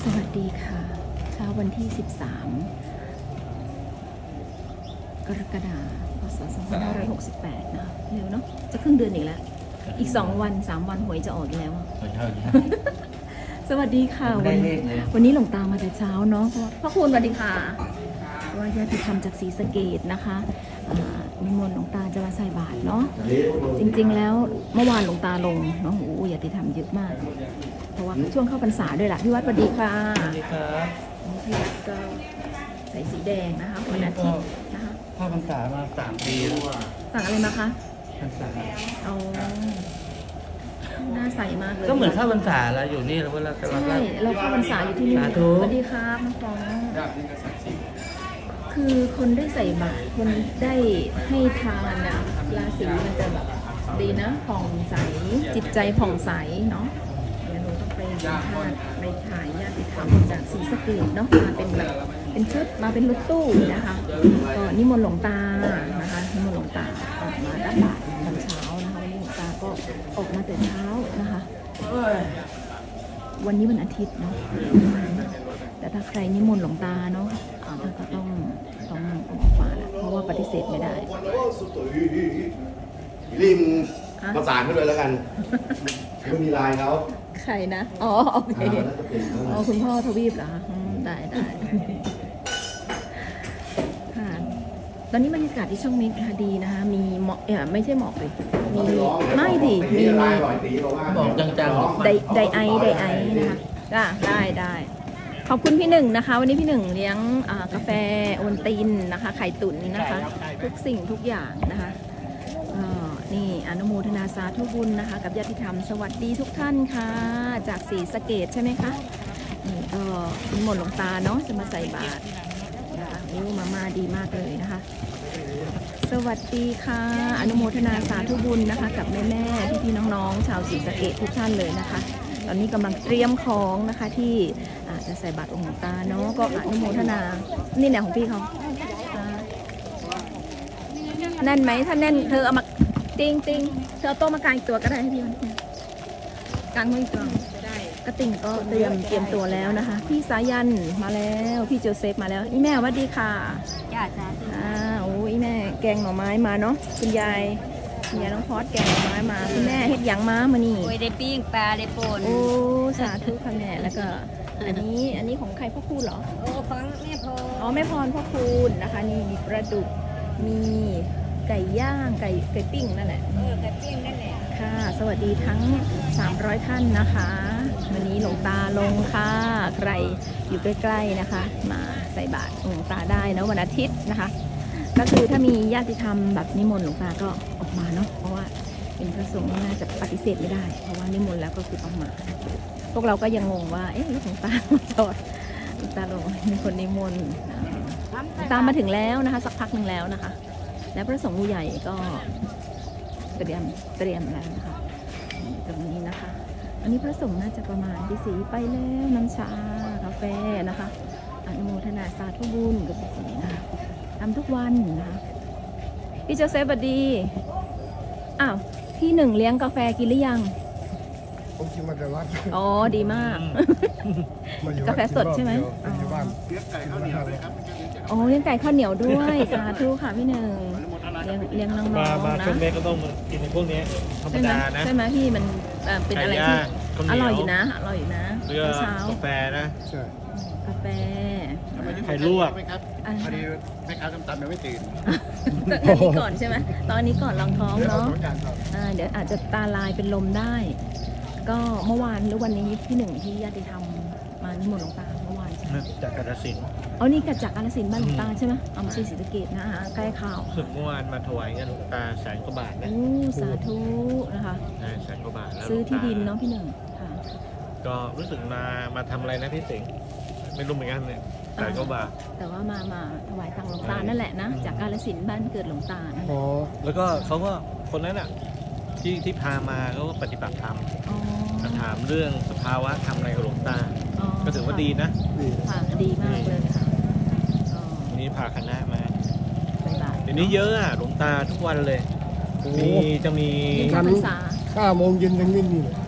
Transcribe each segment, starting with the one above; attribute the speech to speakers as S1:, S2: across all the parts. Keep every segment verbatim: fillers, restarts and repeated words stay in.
S1: สวัสดีค่ะเช้าวันที่ สิบสาม กรกฎาคม พ.ศ. สองพันห้าร้อยหกสิบแปด นะคะเร็วเนาะจะครึ่งเดือนอีกแล้ว อีก สอง วัน สาม วันหวยจะออกอีกแล้ว สวัสดีค่ะวันวันนี้หลวงตามาแต่เช้าเนาะพระคุณสวัสดีค่ะว่าญาติธรรมจากศรีสะเกษนะคะนิมนต์หลวงตาจะมาใส่บาตรเนาะจริงๆแล้วเมื่อวานหลวงตาลงเนาะโอ้ญาติธรรมเยอะมากเพราะว่าช่วงเข้าพรรษาด้วยล่ะพี่วัดสวัสดีค่ะสวัสดีครับพี่วัดก็ใส่สีแดงนะคะวันอาทิตย์นะคะ
S2: เข้าพรรษามาสามปีแล้ว
S1: สั่งอะไรมาคะ
S2: พรรษา
S1: เอาหน้าใสมากเลย
S2: ก็เหมือนเข้าพรรษาแล้วอยู่นี่แล้วเรา
S1: ใช่เราเข้าพรรษาอยู่ที่นี่สวัสดีครับน้องฟองคือคนได้ใส่บาตรคนได้ให้ทานนะราศีมันจะแบบดีนะผ่องใสจิตใจผ่องใสเนาะเดี๋ยวหนูต้องไปสัมภาษณ์ไปถ่ายญาติธรรมจากศรีสะเกษเนาะมาเป็นแบบเป็นชุดมาเป็นรถตู้นะคะก็นิมนต์หลวงตานะคะนิมนต์หลวงตาออกมารับบาตรตอนเช้านะคะวันนี้หลวงตาก็ออกมาแต่เช้านะคะวันนี้วันอาทิตย์เนาะแต่ถ้าใครนิมนต์หลวงตาเนาะท่านก็ต้องต้องออกมาแหละเพราะว่าปฏิเสธไม่ได้
S3: ริมประสานขึ้นเลยแล้วกันไม่มีลายเขา
S1: ใครนะอ๋อโอเคอ๋อคุณพ่อทวีปเหรอได้ได้ค่ะตอนนี้บรรยากาศที่ช่องมิตรดีนะคะมีหมอกเออไม่ใช่หมอกเลยมีไม่ดิมี
S2: หมอกจัง
S1: ๆไดไดไอไดไอนะคะได้ได้ได้ขอบคุณพี่หนึ่งนะคะวันนี้พี่หนึ่งเลี้ยงกาแฟโอนตินนะคะไข่ตุ๋นนะคะทุกสิ่งทุกอย่างนะคะนี่อนุโมทนาสาธุบุญนะคะกับญาติธรรมสวัสดีทุกท่านค่ะจากศรีสะเกษใช่ไหมคะนี่ก็นิมนต์หลวงตาเนาะจะมาใส่บาตรนะคะโอ้มามาดีมากเลยนะคะสวัสดีค่ะอนุโมทนาสาธุบุญนะคะกับแม่แม่พี่พี่น้องๆชาวศรีสะเกษทุกท่านเลยนะคะตอนนี้กำลังเตรียมของนะคะที่จะใส่บาตรองค์หลวงตาเนาะก็อนุโมทนานี่แหละของพี่เขาแน่นไหมถ้าแน่นเธอเอามาจริงจริงเธอโต๊ะมากางอีกตัวก็ได้ให้พี่มันกางมืออีกตัวกระติ่งก็เตรียมเตรียมตัวแล้วนะคะพี่สายันมาแล้วพี่โจเซฟมาแล้วอีแม่สวัสดีค่ะ
S4: จ้าจ้า
S1: อ่าโอ้อีแม่แกงหน่อไม้มาเนาะคุณยายคุณยายน้องพอดแกงหน่อไม้มาคุณแม่เฮ็ดหยังม้ามานี่
S4: โอ้ยได้ปิ้งปลาได้ป่น
S1: โอ้สาธุค่ะแม่แล้วก็อันนี้อันนี้ของใครพ่อคูณเหรอ
S4: โอ้ของแม่พร
S1: อ๋อแม่พรพ่อคูณนะคะนี่มีปลาดุกมีไก่ย่างไก่ไก่ปิ้งนั่นแหละ
S4: เออไก่ปิ้งนั่นแหละ
S1: ค่ะสวัสดีทั้งสามร้อยท่านนะคะวันนี้หลวงตาลงค่ะใครอยู่ใกล้ๆนะคะมาใส่บาตรหลวงตาได้นะวันอาทิตย์นะคะก็คือถ้ามีญาติธรรมแบบนิมนต์หลวงตาก็ออกมาเนาะเพราะว่าเป็นพระสงฆ์น่าจะปฏิเสธไม่ได้เพราะว่านิมนต์แล้วก็คือต้องมาพวกเราก็ยังงงว่าเอ๊ะหลวงตาจอดหลวงตาลงมีคนนิมนต์ตามมาถึงแล้วนะคะสักพักหนึ่งแล้วนะคะและพระสงฆ์ผู้ใหญ่ก็เตรียมเตรียมแล้วนะคะตรงนี้นะคะอันนี้พระสงฆ์น่าจะประมาณที่สีไปแล้วน้ำชากาแฟนะคะอนุโมทนาสาธุบุญกับสีนะคะทำทุกวันนะคะพี่โจเซฟสวัสดีอ้าวพี่หนึ่งเลี้ยงกาแฟกินหรือยัง
S5: ผมกินมาแต่วัด
S1: อ๋อดีมากกาแฟสดใช่ไหม
S5: อ๋อ
S3: เลี้ยงไก่ข้าวเหนียวเลยครับ
S1: อ๋อเลี้ยงไก่ข้าวเหนียวด้วยสาธุค่ะพี่หนึ่งเลี้ยงเลี้ยงน้องๆนะ
S2: มาช่วงเล็กก็ต้องกินในพวกนี้ธรรมดานะ
S1: ใช่ไหมพี่มันเป็นอะไรที่อร่อยอยู่นะอร่อยอยู่นะ
S2: เช้ากาแฟนะ
S5: ใช่
S1: กาแฟ
S2: ไข่ลวก
S3: พอดีแม่ค้าตำๆยังไม่ตื่น
S1: ตอนนี้ก่อนใช่ไหมตอนนี้ก่อนลองท้องเนาะเดี๋ยวอาจจะตาลายเป็นลมได้ก็เมื่อวานหรือวันนี้ที่หนึ่งที่ญาติธรรมมานิมนต์หลวงตาเมื่อวานใช่ไหม
S2: จากกาฬสินธุ์
S1: อ๋อนี่กัจากกาฬสินธุ์บ้านหลวงตาใช่ไหมเอามาใช่ศรีสะเกษนะคะใกล้ข่าว
S2: สึกเมื่อวานมาถวายเงินหลวงตาแสนกว่าบาทนะ
S1: โอ้สาธุนะคะ
S2: แสนกว่าบาทแล้ว
S1: ซื้อที่ดินเนาะพี่หนึ่งค่ะ
S2: ก็รู้สึกมามาทำอะไรนะพี่สิงห์ไม่รู้เหมือนกันเนี่ยแสนกว่าบาท
S1: แต่ว่ามามาถวายตังหลวงตานั่นแหละนะจากกาฬสินธุ์บ้านเกิดหลวงตานะ
S2: อ๋อแล้วก็เขาก็คนนั้นอ่ะที่ที่พามาเขาก็ปฏิบัติธรรมถามเรื่องสภาวะทำอะไรกับหลวงตาก็ถือว่าดีนะ
S1: ค่ะดีมากเลยค่ะ
S2: วันนี้พาคณะมาเดี๋ยวนี้เยอะอ่ะหลวงตาทุกวันเลยมีจะมี
S5: ชั้นห้าโมงเย็นยังไม่มีเลย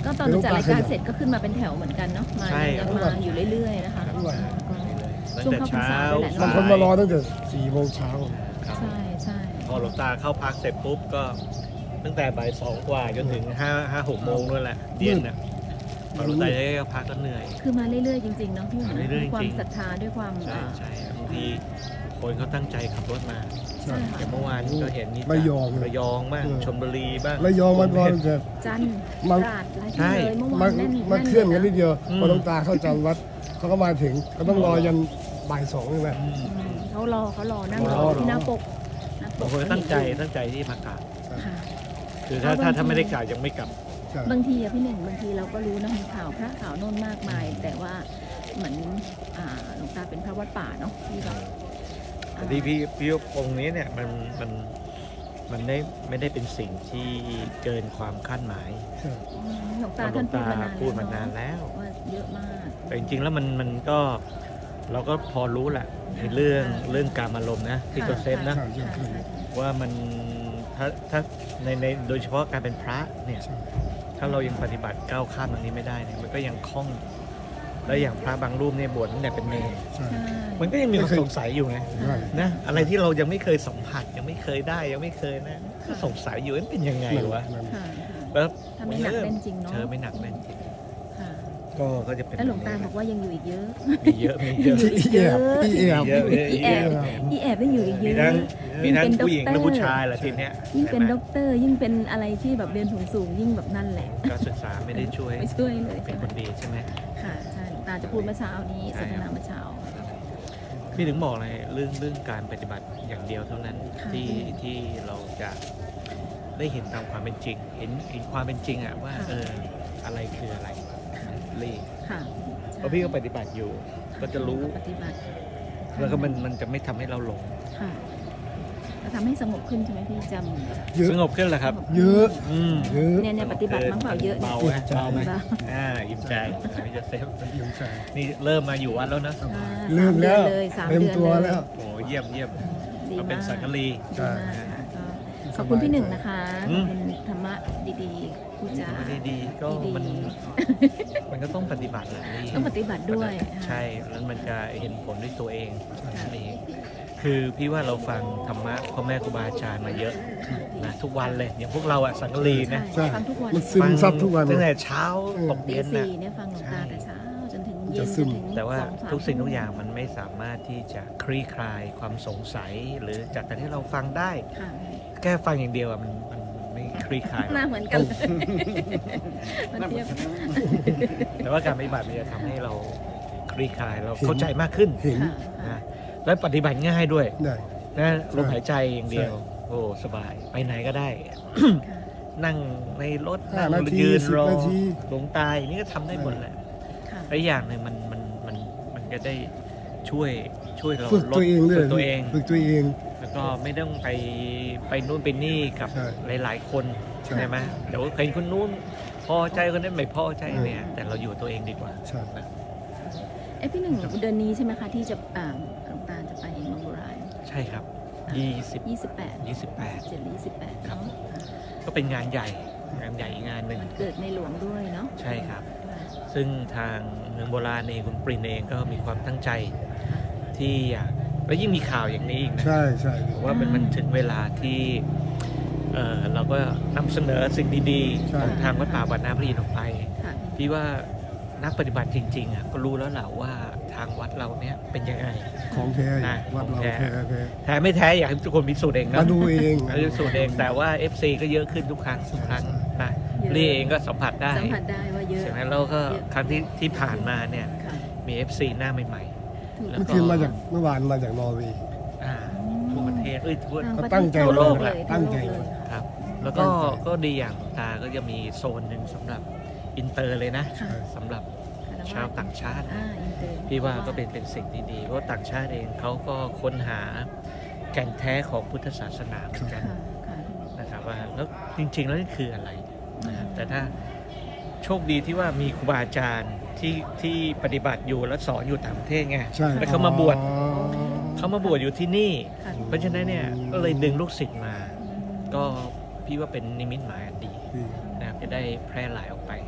S1: ก็ตอนหนูจัดรายการเสร็จก็ขึ้นมาเป็นแถวเหมือนกันเนาะมา
S2: ใช่
S1: ยังมาอยู่เรื่อยๆนะคะ
S5: ด้วย
S2: ตั้ง
S1: ช่วง
S2: แต่
S1: เข้าพรร
S2: เช้า
S1: ษาด้วยแหละ
S5: บาง
S1: เนาะ
S5: คนมารอตั้งแต่สี่โมงเช้า
S2: ครับ
S1: ใช่ใช่
S2: พอหลวงตาเข้าพักเสร็จปุ๊บก็ตั้งแต่บ่ายสองกว่าจนถึงห้าห้าหกโมงนู่นแหละเย็นน่ะพอหลวงตาได้เข้าพักก็เหนื่อย
S1: คือมาเรื่อยๆจริงๆเนาะพี่หนุ่ม
S2: มาเรื่อยๆ
S1: ด้วยความ
S2: จริง
S1: ศรัทธาด้วยความ
S2: ใช่
S1: อ่า
S2: ใช่บางทีคนเขาตั้งใจขับรถมา
S1: ใช่ค่ะ
S2: อย่างเมื่อวานก็เห็นนี่
S5: ระยอง
S2: ระยองบ้าง
S5: เออ
S2: ชลบุรีบ้าง
S5: ระยองมันรอตั้งแต่
S1: จันทร์
S5: มัน
S1: ตราดอะไร
S2: ใช่
S1: ที่เลยเมื่อ
S5: มั
S1: วาน นแน่น
S5: มันเคลื่อนกันนิดเดียว
S2: อืม
S5: พอหลวงตาเข้าจำวัดเขาก็มาถึงก็ต้องรอยันบ่ายสองใช่ไหม
S2: อืม
S1: อืมเขารอเขารอนั่งร
S5: ร
S1: อ
S5: อ
S1: ที่หน้าปกหน้าป
S2: บาง
S1: ก
S2: คนก็ตั้งใจตั้งใจที่มากราบ
S1: ค่ะ
S2: คือถ้า
S1: เพราะ
S2: ถ้า
S1: บางที
S2: ถ้าไม่ได้กราบยังไม่กลับ
S5: ใช่
S1: บางทีอะพี่หนึ่งบางทีเราก็รู้นะมีข่าวพระข่าวโน่นมากมาย แต่ว่าเหมือนอ่าหลวงตาเป็นพระวัดป่าเนาะที่แบบ
S2: แต่ที่พี่พี่องค์นี้เนี่ยมันมันมันได้ไม่ได้เป็นสิ่งที่เกินความคาดหมาย
S5: ใช่
S1: อืมหลวง
S2: เพ
S1: ตา
S2: ราะหล
S1: ท่า
S2: วน ง
S1: พูด
S2: ตาม
S1: านาน
S2: พูดมานานแล้ว
S1: ว่าเยอะมาก
S2: แต่จริงๆแล้วมันมันก็เราก็พอรู้แหละในเรื่องเรื่องการอารมณ์นะที่ตัวเซฟนะ
S5: ใช่ใช่ใช่
S2: ว่ามันถ้าถ้าในในโดยเฉพาะการเป็นพระเนี่ย
S5: ใช่
S2: ถ้าเรายังปฏิบัติก้าวข้ามตรงนี้ไม่ได้เนี่ยมันก็ยังคล่อง แล้วอย่างพระบางรูปเนี่ยบวชตั้งแต่เป็นเนร
S5: ใช่
S1: ใช่
S2: มันก็ยังมีความสงสัยอยู่ไง
S5: ใช่
S2: นะอะไรที่เรายังไม่เคยสัมผัสยังไม่เคยได้ยังไม่เคยนะก็สงสัยอยู่ว่าเป็นยังไงวะ
S5: นั่น
S1: ค่ะ
S2: แล้ว
S1: ถ้าไม่หนักแน่นจริงเนาะ
S2: เธอไม่หนักแน่นจริง
S1: ค่ะ
S2: ก็ก็จะเป็น
S1: แล้วหลวงตาบอกว่ายังอยู่อีกเยอะ
S2: มีเยอะมีเยอะ
S5: อีแอบอีแอบ
S2: มีเยอะเยอะ
S1: อีแอบ อีแอบยังอยู่อีกเย
S2: มี
S1: อะ
S2: ทั้งมีทั้ง
S1: ยิ่งเป็น
S2: ผู้หญิง
S1: ด็อกเตอร์
S2: และผู้ชายแหละทีเนี้ย
S1: ยิ่งเป็น
S2: ใช่ไหม
S1: ด็อกเตอร์ยิ่งเป็นอะไรที่แบบเรียนสูงๆยิ่งแบบนั่นแหละ
S2: การศึกษาไม่ได้ช่วย
S1: ไม่ช่วยเลย
S2: เป็
S1: ใช่
S2: น
S1: ไหม
S2: คนดีใช่ไหม
S1: ค่ะใช่หลวงตาจะพูดเมื่อเช้านี้สนทนาเมื่อเช้า
S2: พี่ถึงบอกเลยเรื่องเรื่องการปฏิบัติอย่างเดียวเท่านั้น
S1: ค่ะ
S2: ที่ที่เราจะได้เห็นตามความเป็นจริง เห็นเห็นความเป็นจริงอะว่า
S1: ค่ะ
S2: เอออะไรคืออะไรรี
S1: ค่ะ
S2: เพราะพี่ก็ปฏิบัติอยู่ ก็จะรู้
S1: ปฏิบัติ
S2: แล้วก็มันมันจะไม่ทำให้เราหลง
S1: ค่ะจะทำให้สงบขึ้นใช่ไหมพี่จำแบบ
S5: เยอะ
S2: สงบขึ้นเหรอครับ
S5: เยอะ
S2: อืม
S5: เยอะ
S1: เนี่ยเนี่ยปฏิบัติมั้งเปล่าเยอะเนี่ย
S2: เบาไหมเบาไหม
S1: เบา
S2: อ่าอิ่มใจพี่จะเซฟ
S5: ยิ้มใจ
S2: นี่เริ่มมาอยู่วัดแล้วนะ
S5: สบาย
S1: อ่า
S5: ลืมแล้ว
S1: สามเดือนเลยสาม
S5: เต็ม
S1: เดือน
S5: ตัว
S1: เลย
S5: แล้ว
S2: โอ้เยี่ยมเยี่ยม
S1: ดี
S2: เราเป็น
S1: มาก
S2: สังกะรี
S5: ใช่
S1: ดีมากค่ะก็ขอบคุณพี่หนึ่งนะคะ
S2: อื
S1: ขอบ
S2: ม
S1: คุณธรรมะดีๆพูดจา
S2: ไม่ได้ดีก็
S1: ดีๆ
S2: มันมันก็ต้องปฏิบัติแหละนี่
S1: ต้องปฏิบัติด้วย
S2: ใช่แล้วมันจะเห็นผลด้วยตัวเอง
S1: ค่ะ
S2: นั่นเองคือพี่ว่าเราฟังธรรมะพ่อแม่ครูบาอาจารย์มาเยอะนะทุกวันเลยอย่างพวกเราอะสังกะรีนะ
S5: ใช่
S1: ฟังทุกวัน
S5: มันซึมซับทุกวัน
S2: ตั้ง
S5: เล
S2: แต่
S5: ย
S2: เช้า
S5: อืม
S2: ตก
S1: ตี
S2: เย็นนะ
S1: สี่เนี่ยฟังหลวงตาแต่เช้าจนถึงเย็น
S5: จะ
S1: จ
S5: ซึ
S1: น
S5: ม
S1: ถึง
S2: แต่ว่า
S1: สองสาม
S2: ทุกสิ่งทุกอย่างมันไม่สามารถที่จะคลี่คลายความสงสัย หรือจากการที่เราฟังได้
S1: ค่ะ
S2: แค่ฟังอย่างเดียวอะมันมันมันไม่คลี่คลาย
S1: หน้าเหมือนกันเลยมันเทียบ
S2: แต่ว่าการปฏิบัติมันจะทำให้เราคลี่คลายเราเข้าใจมากขึ้น
S5: เห็น
S1: ค่ะค่ะ
S2: นะและปฏิบัติง่ายด้วย
S5: ได้
S2: นะลมหายใจอย่างเดียว
S5: ใช่
S2: โอ้สบายไปไหนก็ได้ นั่งในรถ
S5: ห้า
S2: นั่ง
S5: นาที
S2: ยืน
S5: สิบ
S2: รอ
S5: นาที
S2: หลงตายนี่ก็ทำได้หมดแหละ
S1: ค่ะ
S2: และอีกอย่างหนึ่งมันมันมันมันจะได้ช่วยช่วยเรา
S5: ฝึก
S2: ล
S5: ตั
S2: ด
S5: วเองด้วย
S2: ฝึกตัวเอง
S5: ฝึกตัวเอง
S2: แล้วก็ไม่ต้องไปไปนู่นไปนี่กับ
S5: ใช่
S2: หลาย ๆ คน
S5: ใช่
S2: ใช่ไหมเดี๋ยวเห็นคนนู้นพอใจคนนั้นไม่พอใจ
S5: เออ
S2: เนี่ย แต่เราอยู่ตัวเองดีกว่า
S5: ใช่
S1: เอ้พี่หนึ่งเดือนนี้ใช่ไหมคะที่จะอ่าหลวงตาจะไปเมืองโบราณ
S2: ใช่ครับยี่สิบ
S1: ยี่สิบแปด
S2: ยี่สิบแปด
S1: เจ็ดหรือยี่สิบแปด
S2: ครับ
S1: เนาะ
S2: ก็เป็นงานใหญ่งานใหญ่อีกงานหนึ่ง
S1: เกิดในหลวงด้วยเนาะ
S2: ใช่ครับ
S1: ค่ะ
S2: ซึ่งทางเมืองโบราณเองคุณปรินเองก็มีความตั้งใจที่อยากแล้วยิ่งมีข่าวอย่างนี้อีกนะ
S5: ใช่ใช่
S2: ผมว่ามันมันถึงเวลาที่เอ่อเราก็นำเสนอสิ่งดี
S5: ใช่
S2: ๆของทางวัดป่าวัดน้ำพระอินทร์ออกไป
S1: ค่ะ
S2: พี่ว่านักปฏิบัติจริงๆอ่ะก็รู้แล้วแหละว่าทางวัดเราเนี้ยเป็นยังไง
S5: ของแท้
S2: นะ
S5: วัดเรา
S2: ของแท้
S5: แท้แท้
S2: แท้ไม่แท้อยากให้ทุกคนพิสูจน์เองนะ
S5: มาดูเอง
S2: มาพิสูจน์เองแต่ว่า เอฟ ซี ก็เยอะขึ้นทุกครั้งทุกครั้งนะ
S1: เยอะ
S2: รีเองก็สัมผัสได้
S1: สัมผัสได้ว่าเยอะ
S2: ใช่ไหมแล้วก็
S1: เยอะ
S2: ครั้งที่ที่ผ่านมาเนี่ย
S1: ค่ะ
S2: มี เอฟ ซี หน้าใหม่ๆแล้ว
S5: เมื่อ
S2: ก็
S5: คืนมาจากเมื่อวานมาจากนอร์เวย์
S2: อ่าทั่วประเทศเอ้ยทั่ว
S1: ทาง
S5: เขา
S1: ประ
S5: ตั้ง
S1: เทศ
S5: ใจ
S1: ทั่วโลก
S2: แห
S1: เล
S2: ละ
S1: ย
S5: ตั้งใจ
S1: ทั่วโลกเลย
S2: ครับ แล้วก็ก็ดีอย่างตาก็จะมีโซนหนึ่งสำหรับอินเตอร์เลยนะ
S1: ค่ะ
S2: สำหรับ
S1: คาร
S2: ชาวต่างชาติ
S1: อ่าอินเตอร์
S2: พี่ว่าก็เป็นเป็นสิ่งที่ดีเพราะว่าต่างชาติเองเขาก็ค้นหาแก่นแท้ของพุทธศาสนาเหมือนกัน
S1: ค่ะค่ะ
S2: นะครับว่าแล้วจริง ๆ แล้วนี่คืออะไรนะครับแต่ถ้าโชคดีที่ว่ามีครูบาอาจารย์ที่ที่ปฏิบัติอยู่และสอนอยู่ต่างประเทศไง
S5: ใช่
S2: แล้วเขามาบวช
S5: อ๋อ
S2: เขามาบวชอยู่ที่นี่
S1: ค่ะ
S2: เพราะฉะนั้นเนี่ยก็เลยดึงลูกศิษย์มา ก็พี่ว่าเป็นนิมิตหมายอันดี
S5: ดี
S2: นะครับจะได้แพร่หลายออกไป
S5: ครับ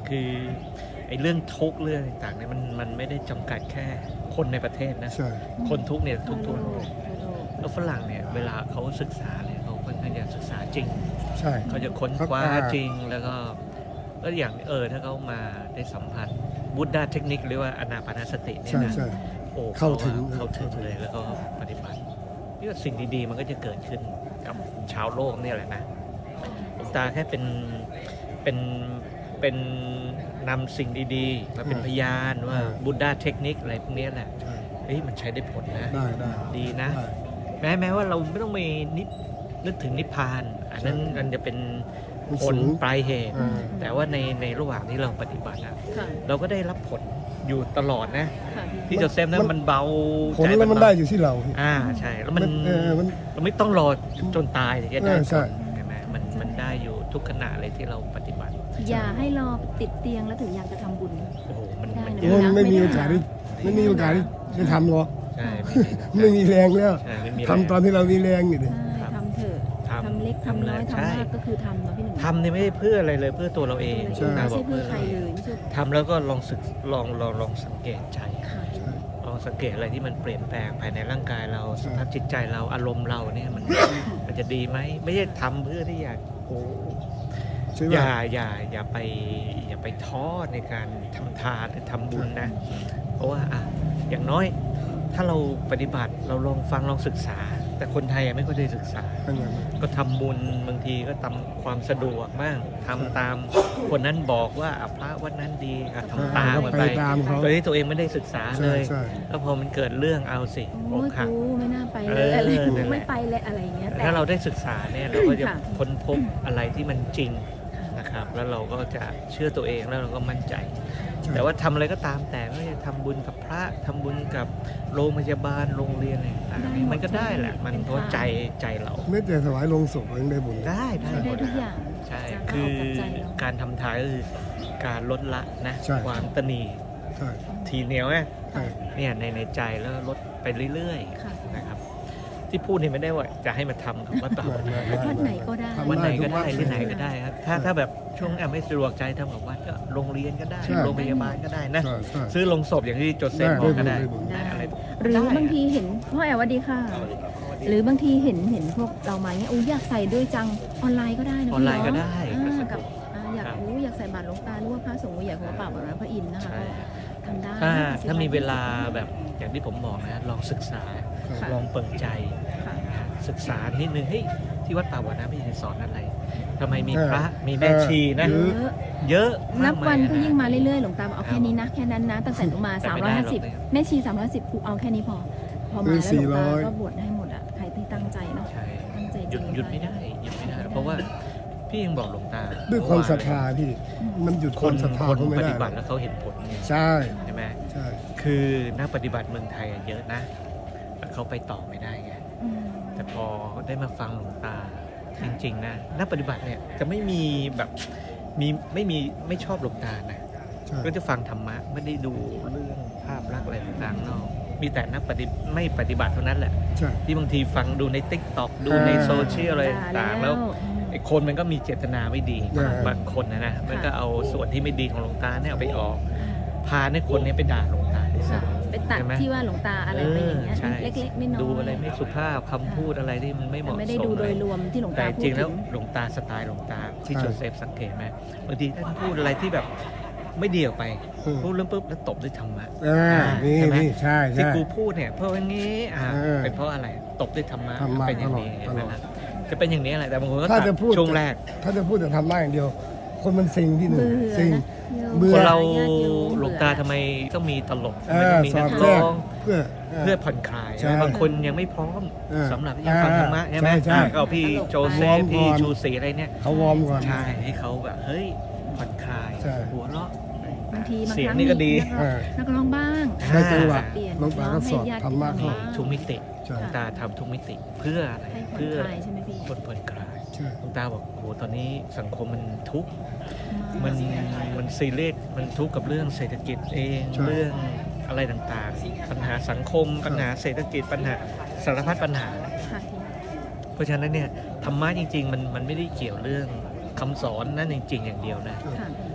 S2: คือไอ้เรื่องทุกข์เรื่องต่างๆเนี่ยมันมันไม่ได้จำกัดแค่คนในประเทศนะ
S5: ใช่
S2: คนทุกข์เนี่ยทุกทั่วโลก
S1: ทั่วโลก
S2: แล้วฝรั่งเนี่ยเวลาเขาศึกษาเนี่ยเขาค่อนข้างจะศึกษาจริง
S5: ใช่
S2: เขาจะค้นคว้า
S5: ครับ
S2: จริงแล้วก็ก็อย่างเออถ้าเขามาได้สัมผัสบุตดาเทคนิคหรือว่าอนาปานสติเนี่ย
S5: ใช่
S2: นะ
S5: ใช่
S2: โอ้
S5: เข้าถึง
S2: เข้าถึงเลยแล้วก็ปฏิบัตินี่ก็สิ่งดีๆมันก็จะเกิดขึ้นกับชาวโลกเนี่ยแหละนะหลวงตาแค่เป็นเป็นเป็นนำสิ่งดีๆมาเป็นพยานว่าบุตดาเทคนิคอะไรพวกนี้แหละ
S5: ใช่
S2: เฮ้ยมันใช้ได้ผลนะ
S5: ได้ได้
S2: ดีนะ
S5: ได้
S2: แม้แม้ว่าเราไม่ต้องไปนินึกถึงนิพพาน อันนั้น
S5: ใช่
S2: มันจะเป็น
S5: มัน
S2: ผ
S5: สู
S2: ล
S5: ง
S2: ปลายเหตุ
S5: อ่า
S2: แต่ว่าในในระหว่างที่เราปฏิบัติอะ
S1: ค่ะ
S2: เราก็ได้รับผลอยู่ตลอดนะ
S1: ค่ะพี่
S2: ที่โจเซฟนั้นมันเบา
S5: ผล
S2: ใจ
S5: แล้วมัน
S2: เบา
S5: ได้อยู่ที่เรา
S2: อ่าใช่แล้วมัน
S5: เออมัน
S2: เราไม่ต้องรอจนตายถึงจะได้
S5: เออ
S2: ผ
S5: ใช่
S2: ลใช่ไหมมันมันได้อยู่ทุกขณะเลยที่เราปฏิบัติ
S1: อย่าให้รอติดเตียงแล้วถึงอยากจะทำบุญ
S2: โอ้โหมัน
S1: ได้
S2: มัน
S1: นะ
S2: เย
S5: โอ้
S2: อะ
S5: มันไม่มีโอกาสที่ไม่มีโอกาสที่จะทำหรอก
S2: ใช่ไม่มี
S5: ไม่มีแรงแล้ว
S2: ใช่ไม่มี
S5: ทำตอนที่เรามีแรงอยู่ดิ
S1: ใช่ทำเถอะ
S2: ทำ
S1: ทำเล็กทำน้อย
S2: ทำเลย
S1: ทำ
S2: ใช่
S1: มากก็คือทำเนาะพี่หนึ่ง
S2: ทำเนี่ยไม่ได้เพื่ออะไรเลยเพื่อตัวเราเอง
S1: ไม่
S5: ใช่
S1: ใช่
S2: บก
S1: เพื่อใครเลยไม่ใช่
S2: ทำแล้วก็ลองศึกลองลองลองสังเกตใจ
S1: ค่ะ
S5: ใช่
S2: ลองสังเกตอะไรที่มันเปลี่ยนแปลงภายในร่างกายเรา
S5: ใช่
S2: สภาพจิตใจเราอารมณ์เราเนี่ยมันมันจะดีไหมไม่ใช่ทำเพื่อที่อยากโอ้
S5: ใช่
S2: อ
S5: ป่ะ
S2: ย่าอย่าอย่าไปอย่าไปท้อในการทำทานหรือทำบุญนะ เพราะว่าอ่ะอย่างน้อยถ้าเราปฏิบัติเราลองฟังลองศึกษา แต่คนไทยยังไม่ค่อยได้ศึกษา
S5: อันนั้น
S2: ก็ทำบุญบางทีก็ตามความสะดวกบ้างทำตามคนนั้นบอกว่าอ่ะพระวัดนั้นดีอ่ะทำตามมัน
S5: ไป
S2: ไป
S5: ตามเขา
S2: โดยที่ตัวเองไม่ได้ศึกษาเล
S5: ใช่
S2: ย
S5: ใช่
S2: แล้วพอมันเกิดเรื่องเอาสิ
S1: โอ้
S2: อก
S1: ย
S2: หัก
S1: กูไม่น่าไปเล
S2: เอย อ
S1: อะไร
S2: นั่นแหละ
S1: ไม่ไปเลยอะไรอย่างเงี้ย
S2: แต่ถ้าเราได้ศึกษาเนี่ยเราก็จะ
S1: ค่ะ
S2: ค้นพบอะไรที่มันจริงนะครับ แล้วเราก็จะเชื่อตัวเองแล้วเราก็มั่นใจ
S5: ใช่
S2: แต่ว่าทำอะไรก็ตามแต่ไม่ว่าจะทำบุญกับพระทำบุญกับโรงพยาบาลโรงเรียนอะไรต่างๆมันก็ได้แหละ มันเพราะใจใจเรา
S5: ไม่แต่ถวายลงศพยังได้บุญเลย
S2: ได้ได้ห
S1: ได้
S2: มด
S1: ทุกอย่าง
S2: ใช่
S1: การ
S2: คือ
S1: เอากับใจเรา
S2: การทำทานก็คือการลดละนะ
S5: ใช่
S2: ความตนี
S5: ใช่
S2: ทีเหนียวไง
S5: ใช่
S2: เนี่ยในในใจแล้วลดไปเรื่อย
S1: ค่ะ
S2: ๆนะครับ ที่พูดนี่ไม่ได้ว่าจะให้มาทำกับวัดเปล่า
S1: วัดไหนก็ได้
S5: ทำ
S2: วันไหนก็
S5: ทุ
S2: ได้
S5: วั
S2: ที่ไหน
S5: เลย
S2: ก็ได้ครับถ้าถ้าแบบช่วงแอบไม่สะดวกใจทำกับวัดก็โรงเรียนก็ได้
S5: ใช่
S2: โรงพยาบาลก็ได้นะ
S5: ใช่ใช่
S2: ซื้อลงศพอย่างที่โจเซฟ
S5: ได้
S2: บอกก็ได้
S5: ได้บุญ
S1: ได้
S2: อะไร
S1: หรือบางทีเห็นพ่อแอบสวัสดีค่ะ หรือบางทีเห็นเห็นพวกเรามาเนี้ยอู้อยากใส่ด้วยจังออนไลน์ก็ได้นะ
S2: ออนไลน์
S1: พี่
S2: ก็
S1: เนาะ
S2: ได้
S1: อ่า
S2: ก็สะด
S1: กับ
S2: วก
S1: อ่าอยาก
S2: ครับ
S1: อู้อยากใส่บาตรหลวงตาหรือว่าพระสงฆ์ใหญ่ของพระป่าแบบนั้นพระอินทร์นะคะ
S2: ใช่
S1: ก็ทำได้
S2: ถ้า
S1: สิบ
S2: ถ้ามีเวลา
S1: ยี่สิบ
S2: แบบอย่างที่ผมบอกนะลองศึกษา
S1: ค่ะ
S2: ลองเปิดใจ
S1: ค่ะ
S2: ศึกษานิดนึงเฮ้ยที่วัดป่าวัดน้ำพี่จะสอนอะไรทำไมมี
S5: เออ
S2: พระมีแม่ชีนะ
S5: เออ
S1: เยอะ
S2: เยอะ
S1: นับ
S2: มา
S1: วัน
S2: มาย
S1: ก็ยิ่งมาเรื่อยๆหลวงตาบอกเอา
S2: ครั
S1: แค่
S2: บ
S1: นี้นะแค่นั้นนะตั้งแต่หนูมา
S2: แต่
S1: สาม
S2: ไม่
S1: ร้อย
S2: ได้
S1: ห้า
S2: หรอก
S1: สิบ
S2: เนี่ย
S1: แม่ชีสามร้อยสิบกูเอาแค่นี้พอ พอมาแล้วหลวงตาก็บวชให้หมดอ่ะใครที่ตั้งใจเนาะ
S2: ใช่
S1: ตั้งใจ
S2: หยุดหยุดไม่ได้หยุดไม่ได้ เพราะว่าพี่ยังบอกหลวงตา
S5: ด้วยความศรัทธาพี่ มันหยุด
S2: ค
S5: คน
S2: น
S5: ศรัทธา
S2: คน
S5: เขาไม่
S2: ป
S5: ได้
S2: ฏิบัติแล้วเขาเห็นผลไง
S5: ใช่
S2: ใช่ไหม
S5: ใช่
S2: คือนักปฏิบัติเมืองไทยอะเยอะนะแต่เขาไปต่อไม่ได้ไง
S1: อืม
S2: แต่พอได้มาฟังหลวงตาจริงๆนะนักปฏิบัติเนี่ยจะไม่มีแบบมีไม่มีไม่ชอบหลวงตานะ
S5: ใช่
S2: ก็จะฟังธรรมะไม่ได้ดูเรื่องภาพลักษณ์อะไรต่างๆนอกมีแต่นักปฏิไม่ปฏิบัติเท่านั้นแหละ
S5: ใช่
S2: ที่บางทีฟังดูในติ๊กต็อกดูใน
S5: อ่า
S2: โซเชียลอะไรต่างๆแล้ว
S1: อืม
S2: ไอ้คนมันก็มีเจตนาไม่ดี
S5: อ่า
S2: บางคนนะนะมันก็เอาส่วนที่ไม่ดีของหลวงตาเนี่ยเอาไปออก พาให้คนเนี้ไปด่าหลวงตาด้วย
S1: ค่ะ
S2: ซ้ำ
S1: ไปตัด
S2: ใช่ไหม
S1: ที่ว่าหลวงตาอะไรไปอย่างเงี้ย
S2: ใช่
S1: เล็กๆไม่น้อย
S2: ดูอะไรไม่สุภาพคำพูดอะไรที่มันไม่เห
S1: แต่
S2: มาะสม
S1: ไม่ได้ดูโดยรวมที่หลวง
S2: แต่
S1: ตาพู
S2: จริ
S1: ด
S2: งแล้ว
S1: ถึง
S2: หลวงตาสไตล์หลวงตาที่
S5: ใช่
S2: โจเซฟสังเกตไหมบางทีท่านพูดอะไรที่แบบไม่ดีออกไป
S5: อืม
S2: พูดเรื่องปุ๊บแล้วตบด้วยธรรมะ
S5: อ่านี่
S2: ใช่ไหม
S5: นี่ใช่
S2: ที่
S5: ใช่
S2: กูพูดเนี่ยเพราะว่างี้อ่า
S5: เออ
S2: เป็นเพราะอะไรตบด้วยธรรมะ
S5: ธรรมะ
S2: เป็นอย่างนี้
S5: ตลอด
S2: เห็นไหม
S5: ตลอด
S2: ล่ะจะเป็นอย่างนี้แหละแต่บางคนก็
S5: ถ้า
S2: ตัด
S5: จะพูด
S2: ช่วงแรก
S5: ถ้าจะพูดแต่ทำได้อย่างเดียว คนมันซิงที่หนึ่ง
S1: เบื่อ
S5: ซิง
S1: นะ
S5: เบื่
S2: ค
S5: อ
S2: นเรา
S1: ญติโยม
S2: หลวงตาทำไมต้องมีตลก
S5: เอ
S2: ทำไม
S5: อ
S2: ต้องมี
S5: สอ
S2: นั
S5: ด
S2: ก
S5: แทร
S2: ร้
S5: ก
S2: อง
S5: เพื่อ
S2: เพื่อผ่อนคลาย
S5: ใช่
S2: บางคนยังไม่พร้อม
S5: เออ
S2: สำหรับที่จะฟังธรรมะใช่ไหม
S5: ใช่ใช่
S2: อ่าก็เอาพี่โจเซ
S5: วอร์
S2: ฟ
S5: ม
S2: พี่
S5: ก่อน
S2: ชูศรีอะไรเนี่ย
S5: เขาวอร์มก่อน
S2: ใช่ให้เขาแบบเฮ้ยผ่อนคลาย
S5: ใช่
S2: หัวเราะ
S1: บางทีบาง
S2: เสีย
S1: ค
S2: ง
S1: รั้ง
S2: นี่ก็ดี
S5: เออ
S1: นักร้องบ้าง
S5: ได้จังหวะ
S1: เปลี่ยน
S5: หลวงตาก็สอน
S1: ให้ญติ
S5: ธรรมะ
S1: โย
S2: นี่
S1: บ้าง
S2: ทุกมิติ
S5: ใช่
S2: หลวงตาทำทุกมิติเพื่ออะไร
S1: ให้ผ่อน
S2: เพื่อ
S1: คลายใช่ไหมพี่
S2: คนผ่อนคลาย
S5: ใช่
S2: หลวงตาบอกโอ้โหตอนนี้สังคมมันทุกข์มันมันซีเรียสมันทุกข์กับเรื่องเศรษฐกิจเอง
S5: ใช่
S2: เรื่องอะไรต่างๆ ปัญหาสังคมปัญหาเศรษฐกิจปัญหาสารพัดปัญหา
S1: ค่ะพี่
S2: เพราะฉะนั้นเนี่ยธรรมะจริงๆมันมันไม่ได้เกี่ยวเรื่องคำสอนนั่นจริงๆอย่างเดียวนะ
S1: ค่ะ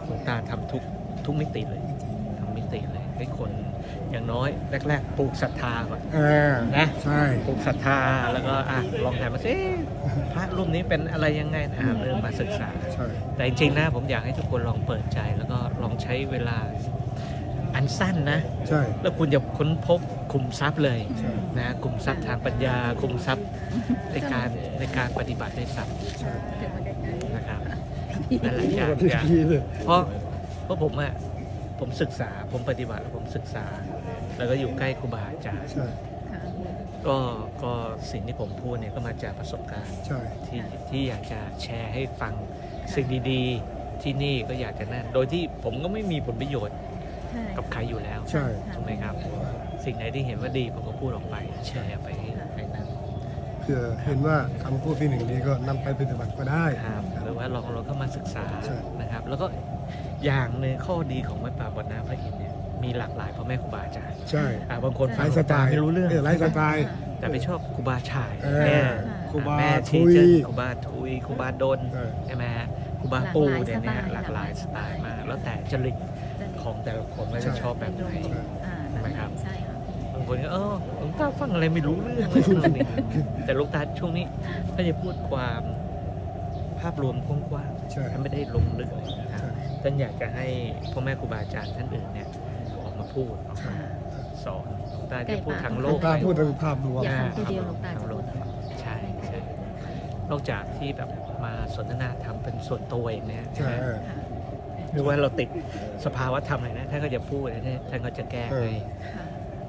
S2: หลวงตาทำทุกทุกมิติเลยทำมิติเลยให้คนอย่างน้อยแรกๆปลูกศรัทธาก่อน
S5: อ่า
S2: นะ
S5: ใช่
S2: ปลูกศรัทธาแล้วก็อ่ะลองถามมาสิพระรูปนี้เป็นอะไรยังไงอ่ะเริ่มมาศึกษา
S5: ใช่
S2: แต่จริงๆนะผมอยากให้ทุกคนลองเปิดใจแล้วก็ลองใช้เวลาอันสั้นนะ
S5: ใช่
S2: แล้วคุณจะค้นพบขุมทรัพย์เลย
S5: ใช่
S2: นะขุมทรัพย์ทางปัญญาขุมทรัพย์ในการในการปฏิบัติในทรัพย์
S5: ใช่
S2: นะครับนั่นแหละอยาก
S5: ที่
S2: อยาก
S5: ดีเลย
S2: เพราะเพราะผมอะผมศึกษาผมปฏิบัติแล้วผมศึกษา แล้วก็อยู่ใกล้ครูบาอาจารย์
S5: ใช่
S1: ค่ะ
S2: ก็ก็สิ่งที่ผมพูดเนี่ยก็มาจากประสบการณ์
S5: ใช่
S2: ที่ที่อยากจะแชร์ให้ฟังสิ่งดีๆ ที่นี่ก็อยากจะนั่นโดยที่ผมก็ไม่มีผลประโยชน์
S1: ใช่
S2: กับใครอยู่แล้ว
S5: ใช่
S2: ถูกไหมครับ สิ่งไหนที่เห็นว่าดีผมก็พูดออกไปแชร์ไปให้ให้นั่น
S5: เผื่อเห็นว่าคำพูดที่หนึ่งนี้ก็นำไปปฏิบัติก็ได้
S2: ครับหรือว่าลองเราเข้ามาศึกษา
S5: ใช่
S2: นะครับ แล้วก็อย่างหนึ่งข้อดีของวัดป่าบ่อน้ำพระอินทร์เนี่ยมีหลากหลายพ่อแม่ครูบาอาจารย์
S5: ใช่
S2: อ่าบางคน
S5: ไล
S2: ฟัง
S5: ฟ์สไตล์
S2: ไม่รู้เรื่อง
S5: ไลฟ์สไตล์
S2: แต่ไปชอบครูบาฉาย
S5: เออ
S2: เนี่ย
S5: ครูบา
S2: แม่
S5: ทุ
S2: ที
S5: ย
S2: เจอร์ครูบาทุยครูบาดน
S5: ใช่
S2: ใช่ไหมฮะครูบาปูเนี่ยนะฮะหลากหลายสไตล์มาก แล้วแต่จริตของแต่ละคนว่าจะชอบแบบไหน
S1: อ่า
S2: ใช่ไหมครับ
S1: ใช่ค่ะ
S2: บางคนก็เออหลวงตาฟังอะไรไม่รู้เรื่องเลยนู่นนี่แต่หลวงตาช่วงนี้ก็จะพูดความภาพรวมกว้าง
S5: ใช่
S2: ๆท่านไม่ได้ลงลึกเลยนะครับท่านอยากจะให้พ่อแม่ครูบาอาจารย์ท่านอื่นเนี่ยออกมาพูดออกมาสอนหลวงตาจะพูดทาง
S5: ห
S2: โล
S5: ลวง
S2: ก
S5: ตา
S2: ไป
S5: พูดถึงภาพรวม
S1: อย่าฟังทีเดียวหลวงตา
S2: ทาง
S1: จะ
S2: โล
S1: พู
S2: ก
S1: ด
S2: ใช่ใช่นอกจากที่แบบมาสนทนาธรรมเป็นส่วนตัวอย่างเนี้ย
S5: ใช่
S2: นะหรือว่าเราติดสภาวะธรรมอะไรนะท่านก็จะพูดนะท่านก็จะแก้ให้
S1: ค่ะ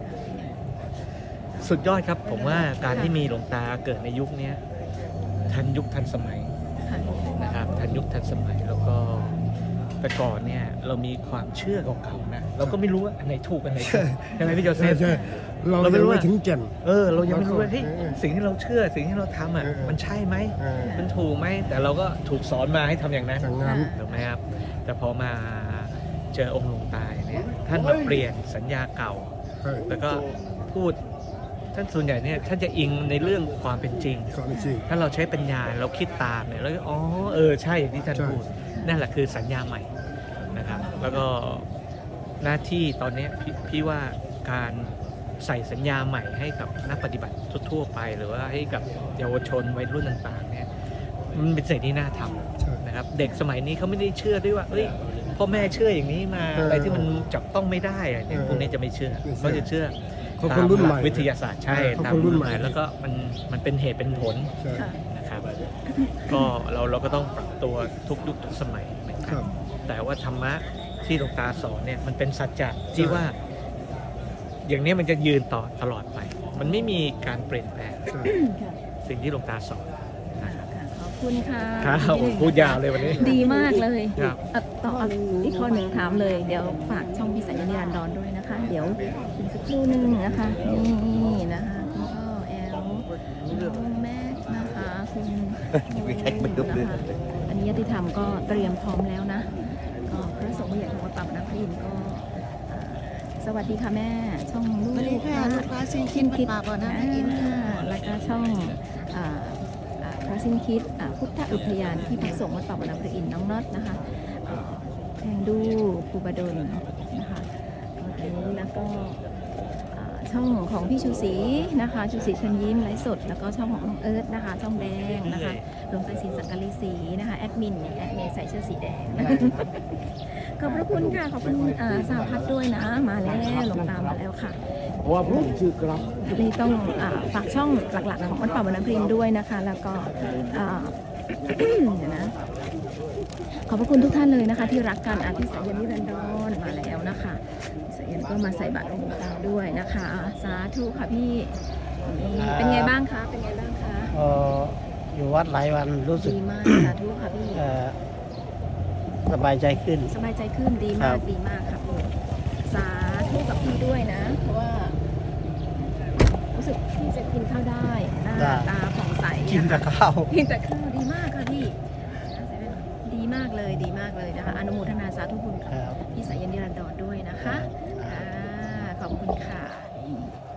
S2: สุดยอดครับ ผมว่าการที่มีหลวงตาเกิดในยุคเนี้ยทันยุคทันสมัย
S1: ค่ะ
S2: นะครับทันยุคทันสมัยแล้วก็แต่ก่อนเนี่ยเรามีความเชื่อเก่าๆนะเราก็ไม่รู้ว่าอันไหนถูกอันไหนผิดใช่ไหมพี่โจเซ
S5: ใช่
S2: ฟ
S5: ใช่เรา
S2: เราไม่
S5: ยัง
S2: รู้
S5: ไม่
S2: ว่า
S5: ถึงแก่น
S2: เออเรายังไม่รู้ว่าเฮ้ย
S5: เออ
S2: สิ่งที่เราเชื่อสิ่งที่เราทำอ่ะ
S5: เออเออ
S2: มันใช่ไหม
S5: เออ
S2: มันถูกไหมแต่เราก็ถูกสอนมาให้ทำอย่างนั้น
S5: จากนั้น
S2: ถูกไหมครับแต่พอมาเจอองค์หลวงตาเนี่ยท่านมาเปลี่ยนสัญญาเก่า
S5: ใช่
S2: แล้วก็พูดท่านส่วนใหญ่เนี่ยท่านจะอิงในเรื่องความเป็นจริง
S5: ก่อนจริง
S2: ถ้าเราใช้ปัญญาเราคิดตามเนี่ยแล้วก็อ๋อเออใช่อย่างที่ท่าน
S5: ใช่
S2: พูดนั่นแหละคือสัญญาใหม่นะครับแล้วก็หน้าที่ตอนเนี้ยพี่พี่ว่าการใส่สัญญาใหม่ให้กับนักปฏิบัติทั่วๆไป หรือว่าให้กับเยาวชนวัยรุ่นต่างๆเนี่ยมันเป็นสิ่งที่น่าท
S5: ใช่
S2: ำนะครับเด็กสมัยนี้เขาไม่ได้เชื่อด้วยว่าเอ้ยพ่อแม่เชื่ออย่างนี้มา
S5: เอออ
S2: อะไรที่มันจับต้องไม่ได้อะไรเนี่ย
S5: เออ
S2: พวกนี้จะไม่เชื่อ
S5: ไม่เชื่อ
S2: เขาจะเชื่อ
S5: เขาคนรุ่นใหม่
S2: ตามลักวิทยาศาสตร์ใช่
S5: เออเขา
S2: ตาม
S5: คนรุ่นใหม่
S2: แล้วก็มันมันเป็นเหตุเป็นผล
S5: ใช่
S1: ค่ะ
S2: นะครับก็เราเราก็ต้องปรับตัวทุกยุคทุกสมัยเหมือน
S5: ค
S2: กั
S5: รั
S2: น
S5: บ
S2: แต่ว่าธรรมะที่หลวงตาสอนเนี่ยมันเป็นสัจจะที่ว่า อย่างนี้มันจะยืนต่อตลอดไป มันไม่มีการเปลี่ยนแปลง
S5: ใช่
S1: ค่ะ
S2: สิ่งที่หลวงตาสอน
S1: ค่ะค่ะขอบคุณค่ะ
S2: ครับ
S1: ที่หนึ่ง
S2: พูดยาวเลยวันนี้
S1: ดีมากเลย
S2: ครับ
S1: เอ่อต่ออีกข้อหนึ่งถามเลย เดี๋ยวฝากช่องพิสัยนิรันดรด้วยนะคะ เดี๋ยวอีกสักครู่หนึงนะคะ นี่นะคะคุณพ่อแอลน้องแม็กซ์นะคะคุณนะคะอันนี้ยติธรรมก็เตรียมพร้อมแล้วนะก็พระสงฆ์ผู้ใหญ่ของวัดป่าบ้านน้ำพระอินทร์ก็เอ่อสวัสดีค่ะแม่ ช่องลูก
S6: สวัสดีค่ะ
S1: นะ
S6: ลูกค้าซินคิดวัดป่าบ่อน้ำพระอินทร์ค่ะ
S1: แล้วก็ช่องอ่าอ่าพระสิ้นคิดอ่าพุทธอุทยานที่พักสงฆ์วัดป่าบ้านน้ำพระอินทร์น้องน็อตนะคะเอ่อแทงดูครูบาดลนะคะแล้วก็อ่าช่องของพี่ชูศรีนะคะชูศรีเชิญยิ้มไลฟ์สด แล้วก็ช่องของน้องเอิร์ธนะคะ ช่องแดงนะคะหลวงตาศรีสังกะลีศรีนะคะแอดมินแอดมินใส่เสื้อสีแดงนะคะขอบพระคุณค่ะขอบคุณอ่าสาพัฒน์ด้วยนะมาแล้วหลวงตามาแล้วค่ะ
S3: เพราะว่าผมชื่อกรับ
S1: นี่ต้องอาฝากช่องหลักๆของวัดป่าบ้านน้ำพรินด้วยนะคะ แล้วก็อ่า เดี๋ยวนะ ขอบพระคุณทุกท่านเลยนะคะ ที่รักกันอาทิสายันนิรันดรมาแล้วนะคะพิสายันก็มาใส่บาตรหลวงตาด้วยนะคะ สาธุค่ะพี่นี่เป็นไงบ้างคะเป็นไงบ้างคะ
S6: เอ่ออยู่วัดหลายวันรู้สึก
S1: ดีมากสาธุค่ะพี่
S6: เอ่อสบายใจขึ้น
S1: สบายใจขึ้นดี
S6: ครั
S1: มาก
S6: บ
S1: ดีมากค่ะพี่สาธุกับพี่ด้วยนะ เพราะว่ารู้สึกพี่จะกินข้าวได้หน้าตาผ่องใส
S6: กินแต่ข้าว
S1: กินแต่ข้าวดีมากค่ะพี่ดีมากเลยดีมากเลยนะคะอนุโมทนาสาธุบุญ
S6: ค
S1: กับ
S6: รับ
S1: พี่สายันนิรันดรด้วยนะคะอ่าขอบคุณค่ะนี่แล้วก็อยู่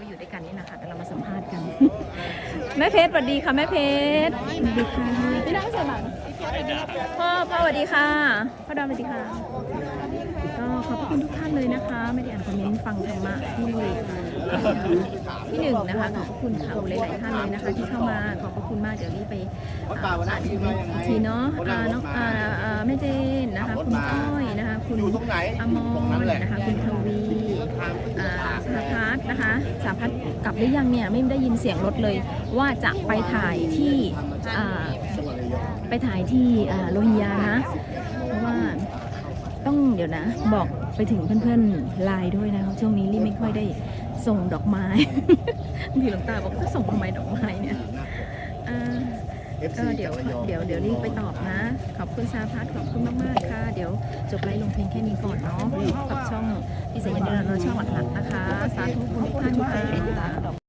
S1: อยู่ด้วยกันนี่นะคะแต่เรามาสัมภาษณ์กัน แม่เพชรสวัสดีค่ะแม่เพชรสวัสดีค่ะพี่น้องสวัสดีพ่อพ่อสวัสดีค่ะพ่อดอมสวัสดีค่ะก็ขอบพระคุณทุกท่านเลยนะคะ ไม่ได้อ่านคอมเมนต์ฟังธรรมะที่ที่หนึ่งนะคะขอบพระคุณค่ะหลายๆท่านเลยนะคะ ที่เข้ามาขอบพระคุณมากเดี๋ยวรีบไปอ่านอีกทีเนาะอ่าน้องอ่าอ่าแม่เจนนะคะคุณก้อยนะคะคุณอมรนะคะคุณทวีอ่าสาพัฒน์นะคะสาพัฒน์กลับหรือยังเนี่ยไม่ได้ยินเสียงรถเลย ว่าจะไปถ่ายที่อ่าไปถ่ายที่อ่าโรฮิงญานะเพราะว่าต้องเดี๋ยวนะบอกไปถึงเพื่อนๆไลน์ด้วยนะคะช่วงนี้รีบไม่ค่อยได้ส่งดอกไม้ พี่หลวงตาบอกจะส่งทำไมดอกไม้เนี่ยอ่าก็เดี๋ยวเดี๋ยวเดี๋ยวรีบไปตอบนะ ขอบคุณสาพัฒน์ขอบคุณมากๆค่ะ เดี๋ยวจบไลฟ์ลงเพลงแค่นี้ก่อนเนาะกับช่องพิเศษยันเดินเราช่องหลักๆนะคะ สาธุคุณทุกท่านค่ะ